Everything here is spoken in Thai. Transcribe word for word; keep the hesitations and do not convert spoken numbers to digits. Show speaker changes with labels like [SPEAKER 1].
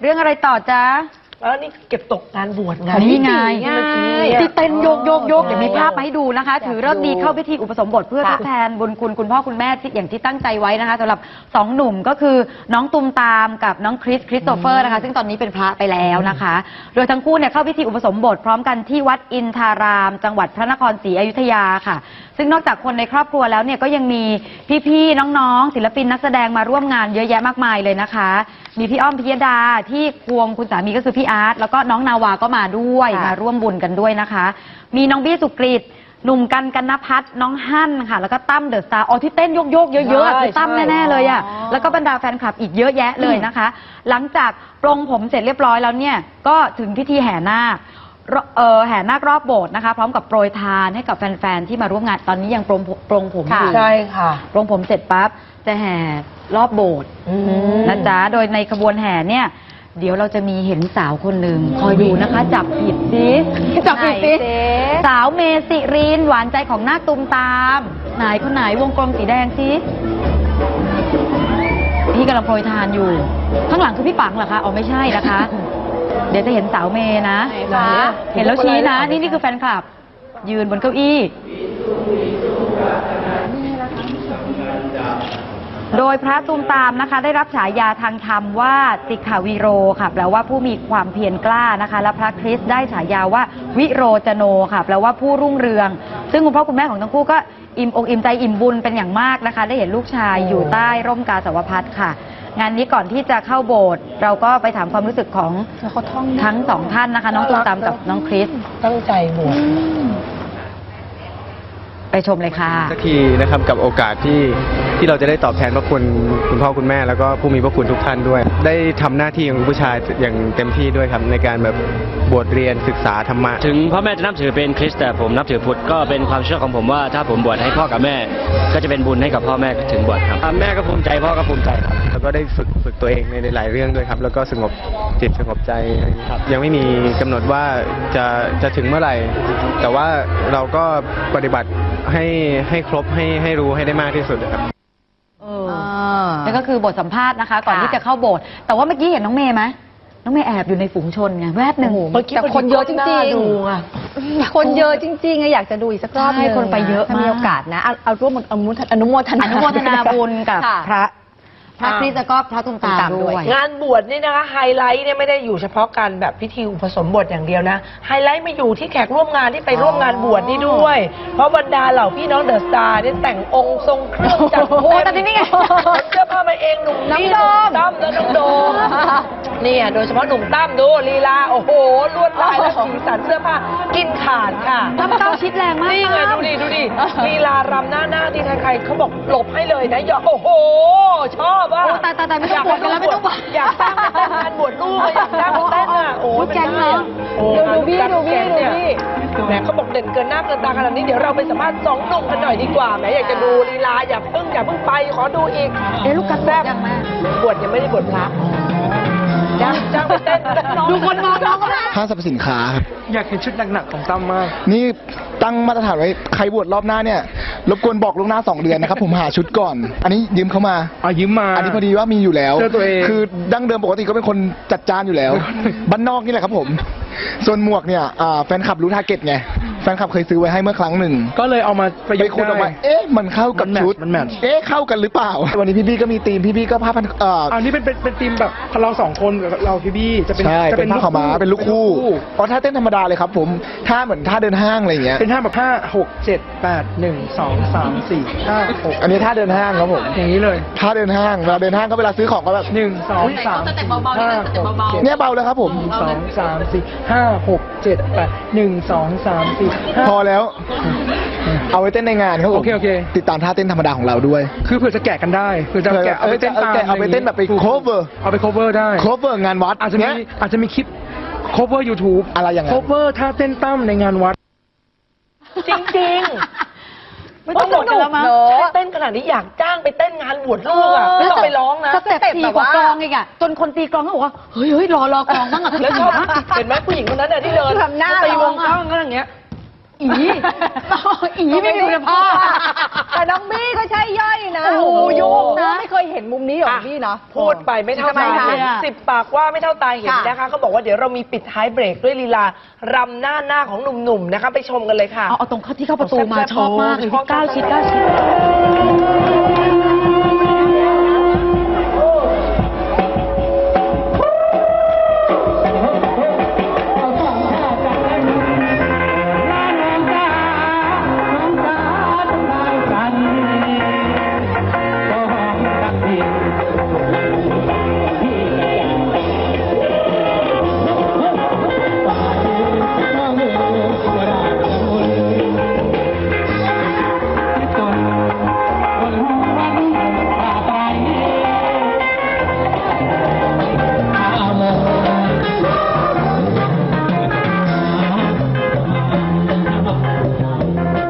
[SPEAKER 1] เรื่องอะไรต่อจ๊ะ
[SPEAKER 2] แล้วนี่เก็บตกงานบวชไง
[SPEAKER 1] นี่ไงที่เต้นโยกโยกโยกเดี๋ยวมีภาพมาให้ดูนะคะถือเลิกดีเข้าพิธีอุปสมบทเพื่อทดแทนบุญคุณคุณพ่อคุณแม่ที่อย่างที่ตั้งใจไว้นะคะสำหรับสองหนุ่มก็คือน้องตุมตามกับน้องคริสคริสโตเฟอร์นะคะซึ่งตอนนี้เป็นพระไปแล้วนะคะโดยทั้งคู่เนี่ยเข้าพิธีอุปสมบทพร้อมกันที่วัดอินทาราม จังหวัดพระนครศรีอยุธยาค่ะซึ่งนอกจากคนในครอบครัวแล้วเนี่ยก็ยังมีพี่ๆน้องๆศิลปินนักแสดงมาร่วมงานเยอะแยะมากมายเลยนะคะมีพี่อ้อมพิยดาที่ควงคุณสามีก็คือพี่อาร์ตแล้วก็น้องนาวาก็มาด้วยมาร่วมบุญกันด้วยนะคะมีน้องบี้สุกฤตหนุ่มกันกันนภัทรน้องฮั่นค่ะแล้วก็ตั้มเดอะสตาร์อ๋อที่เต้นโยกๆเยอะๆคือตั้มแน่ๆเลยอ่ะแล้วก็บรรดาแฟนคลับอีกเยอะแยะเลยนะคะหลังจากปรงผมเสร็จเรียบร้อยแล้วเนี่ยก็ถึงพิธีแห่นาคเอ่อแห่นาครอบโบสถ์นะคะพร้อมกับโปรยทานให้กับแฟนๆที่มาร่วมงานตอนนี้ยังปรงปรงผมอยู่
[SPEAKER 2] ใช่ค่ะ
[SPEAKER 1] ปรงผมเสร็จปั๊บจะแห่รอบโบสถ์นะจ๊ะโดยในขบวนแห่เนี่ยเดี๋ยวเราจะมีเห็นสาวคนหนึ่งคอยดูนะคะจับผิดสิจับผิดสิสาวเมสิรินหวานใจของนาคตุมตามไหนคนไหนวงกลมสีแดงสิพี่กำลังโปรยทานอยู่ข้างหลังคือพี่ปังเหรอคะอ๋อไม่ใช่นะคะเดี๋ยวจะเห็นสาวเมนะเห็นแล้วชี้นะนี่นี่คือแฟนคลับยืนบนเก้าอี้โดยพระตูมตามนะคะได้รับฉายาทางธรรมว่าสิกขาวิโรค่ะแปลว่าผู้มีความเพียรกล้านะคะและพระคริสต์ได้ฉายาว่าวิโรจโนค่ะแปลว่าผู้รุ่งเรืองซึ่งคุณพ่อคุณแม่ของทั้งคู่ก็อิ่มอกอิ่มใจอิ่มบุญเป็นอย่างมากนะคะได้เห็นลูกชายอยู่ใต้ร่มกาสาวพัสค่ะงานนี้ก่อนที่จะเข้าโบสถ์เราก็ไปถามความรู้สึกของทั้งสองท่านนะคะน้องตูมตามกับน้องคริส
[SPEAKER 2] ตั้งใจบวช
[SPEAKER 1] ไปชมเลยค่ะ
[SPEAKER 3] สักทีนะครับกับโอกาสที่ที่เราจะได้ตอบแทนพระคุณคุณพ่อคุณแม่แล้วก็ผู้มีพระคุณทุกท่านด้วยได้ทำหน้าที่ของผู้ชายอย่างเต็มที่ด้วยครับในการแบบบวชเรียนศึกษาธรรมะ
[SPEAKER 4] ถึงพ่อแม่จะนับถือเป็นคริสต์แต่ผมนับถือพุทธก็เป็นความเชื่อของผมว่าถ้าผมบวชให้พ่อกับแม่ก็จะเป็นบุญให้กับพ่อแม่ถึงบวชครับแม่ก็ภูมิใจพ่อก็ภูมิใจครับ
[SPEAKER 3] แล้วก็ได้ฝึกฝึกตัวเองในหลายเรื่องด้วยครับแล้วก็สงบจิตสงบใจครับยังไม่มีกำหนดว่าจะจะถึงเมื่อไหร่แต่ว่าเราก็ปฏิบัติให้ให้ครบให้ให้รู้ให้ได้มากที่สุดครับ
[SPEAKER 1] เออนั่นก็คือบทสัมภาษณ์นะคะก่อนที่จะเข้าโบสถ์แต่ว่าเมื่อกี้เห็นน้องเมย์ไหมน้องเมย์แอบอยู่ในฝูงชนไงแวบหนึ่ง
[SPEAKER 5] แต่คนเยอะจริงๆคนเยอะจริงๆอยากจะดูอีกสักรอบนึง
[SPEAKER 1] คนไปเยอะ
[SPEAKER 5] ถ้ามีโอกาสนะเอาร่วมอนุโมทนา
[SPEAKER 1] อนุโมทนาบุญกับพระพระคริสต์ก็พระตุมตามด้วย
[SPEAKER 2] งานบวชนี่นะคะไฮไลท์เนี่ยไม่ได้อยู่เฉพาะการแบบพิธีอุปสมบทอย่างเดียวนะไฮไลท์มาอยู่ที่แขกร่วมงานที่ไปร่วมงานบวชนี่ด้วยเพราะบรรดาเหล่าพี่น้องเดอะสตาร์เนี่ยแต่งองค์ทรงเครื่องจัด
[SPEAKER 1] โอ้แต่นี่ไง
[SPEAKER 2] เสื้อผ้ามาเองหนุ่มนี่หนุ่มตั้มและน้องโดมนี่โดยเฉพาะหนุ่มตั้มดูลีลาโอ้โหลวดลายและสีสันเสื้อผ้ากินขาดค่ะ
[SPEAKER 1] ตั้มเก้าชิดแรงมาก
[SPEAKER 2] นี่ไงดูดิดูดิลีลารำหน้าหน้าที่ใครๆเขาบอกหลบให้เลยนะอย่าโอ้โหชอบอ่ะ
[SPEAKER 1] ตายตายตายไม่ต้องบวชกันแล้วไม่ต้องบวช
[SPEAKER 2] อยากสร้างเป็นงานบวชลูกอยากสร้างเป็นเต้นอ่ะโอ้ย
[SPEAKER 1] แกงเนาะ
[SPEAKER 5] ดูบี้ดูบี้ดูบี้
[SPEAKER 2] แหมเขาบอกเด่นเกินหน้าเกินตาขนาดนี้เดี๋ยวเราไปสัมภาษณ์สองหนุ่มกันหน่อยดีกว่าแหมอยากจะดูลีลาอย่าเพิ่งอย่าเพิ่งไปขอดูอีก
[SPEAKER 1] เอ๊ะลูกกระแทกยังแม่
[SPEAKER 2] บวชยังไม่ได้บวชพระจ้างจ้างไปเต้น
[SPEAKER 1] ดูคนมองน้องก็ได้
[SPEAKER 6] ห้างสรรพสินค้าครับ
[SPEAKER 3] อยากเห็นชุดหนักๆของตั้มมาก
[SPEAKER 6] นี่ตั้งมาตรฐานไว้ใครบวชรอบหน้าเนี่ยรบกวนบอกล่วงหน้าสองเดือนนะครับผมหาชุดก่อนอันนี้ยืมเขามา
[SPEAKER 3] อ๋อยืมมา
[SPEAKER 6] อันนี้พอดีว่ามีอยู่แล้ว
[SPEAKER 3] ตัวเอง
[SPEAKER 6] คือดั้งเดิมปกติก็เป็นคนจัดจานอยู่แล้วบ้านนอกนี่แหละครับผมส่วนหมวกเนี่ยแฟนคลับรู้ทาร์เก็ตไงแฟนคลับเคยซื้อไว้ให้เมื่อครั้งหนึ่ง
[SPEAKER 3] ก็เลยเอามา
[SPEAKER 6] ไปคุยออกมาเอ๊ะมันเข้ากับชุด
[SPEAKER 3] มันแมท
[SPEAKER 6] เอ๊ะเข้ากันหรือเปล่าวันนี้พี่บี้ก็มีธีมพี่บี้ก็ผ้าพัน
[SPEAKER 3] เอ่ออันนี้เป็นเป็นเป็นธีมแบบเราสองคนกับเราพี่บี้จะเป็น
[SPEAKER 6] ใช่เป็นผ้าขาวม้าเป็นลูกคู่อ๋อท่าเต้นธรรมดาเลยครับผมท่าเหมือนท่าเดินห้างอะไรอย่างเงี้ย
[SPEAKER 3] เป็นท่าแบบห้าหกเจ็ดแปดหนึ่งสองสามสี่ห้าหก
[SPEAKER 6] อันนี้ท่าเดินห้างครับผม
[SPEAKER 3] อย่างนี้เลย
[SPEAKER 6] ท่าเดินห้างเวลาเดินห้างก็เวลาซื้อของก็แบบ
[SPEAKER 3] หนึ่งสองสามห้าหกเจ็ด
[SPEAKER 6] เนี่ยเบาเลยครับผม
[SPEAKER 3] สองสามสี่ห้าหกเจ็ดแปดหนึ่งสองสามสี่
[SPEAKER 6] พอแล้วเอาไว้เต้นในงานครับผม
[SPEAKER 3] โอเคโอเค
[SPEAKER 6] ติดตามท่าเต้นธรรมดาของเราด้วย
[SPEAKER 3] คือเผื่อจะแกะกันได้เผื่อจะแกะเอาไปเต้นตาม
[SPEAKER 6] เอาไปเต้นแบบไป cover
[SPEAKER 3] เอาไป cover ได้
[SPEAKER 6] cover งานวัด
[SPEAKER 3] อาจจะมีอาจจะมีคลิป cover YouTube
[SPEAKER 6] อะไรอย่างเงี้ย
[SPEAKER 3] cover ท่าเต้นตั้มในงานวัด
[SPEAKER 2] จริงๆไม่ต้องหมดกันแล้วมั้งเต้นขนาดนี้อยากจ้างไปเต้นงานบวชลูกอ่ะไม่ต้องไปร้องนะ
[SPEAKER 1] สเต็ปสี่กว่ากลองอีกอ่ะจนคนตีกลองเขาบอกว่าเฮ้ยเฮ้ยรอรอกลองบ้างอ่ะ
[SPEAKER 2] แล้วชอบเห็นไหมผู้หญิงคนนั้นอ่ะที่เดินตีวงกลองก็อย่างเงี้ย
[SPEAKER 1] อีอีไม่มีคุณภาพ
[SPEAKER 5] แต่น้องบี้ก็ใช่ย่อยนะ
[SPEAKER 1] โอ้โหโยกนะ
[SPEAKER 5] ไม่เคยเห็นมุมนี้ของบี้เนาะ
[SPEAKER 2] พูดไปไม่เท่า
[SPEAKER 5] ทำไม
[SPEAKER 2] ตา
[SPEAKER 5] คะ
[SPEAKER 2] เห็นสิบปากว่าไม่เท่าตาเห็น
[SPEAKER 5] ค่ะ
[SPEAKER 2] นะคะเขาบอกว่าเดี๋ยวเรามีปิดท้ายเบรกด้วยลีลารำหน้าหน้าของหนุ่มๆนะคะไปชมกันเลยค่ะ
[SPEAKER 1] เอาเอาตรงเข้าที่เข้าประตูมา
[SPEAKER 2] แซ่บๆ
[SPEAKER 1] ชอบมากเลย
[SPEAKER 2] ชอบ
[SPEAKER 1] ที่ก้าวชิดก้าวชิด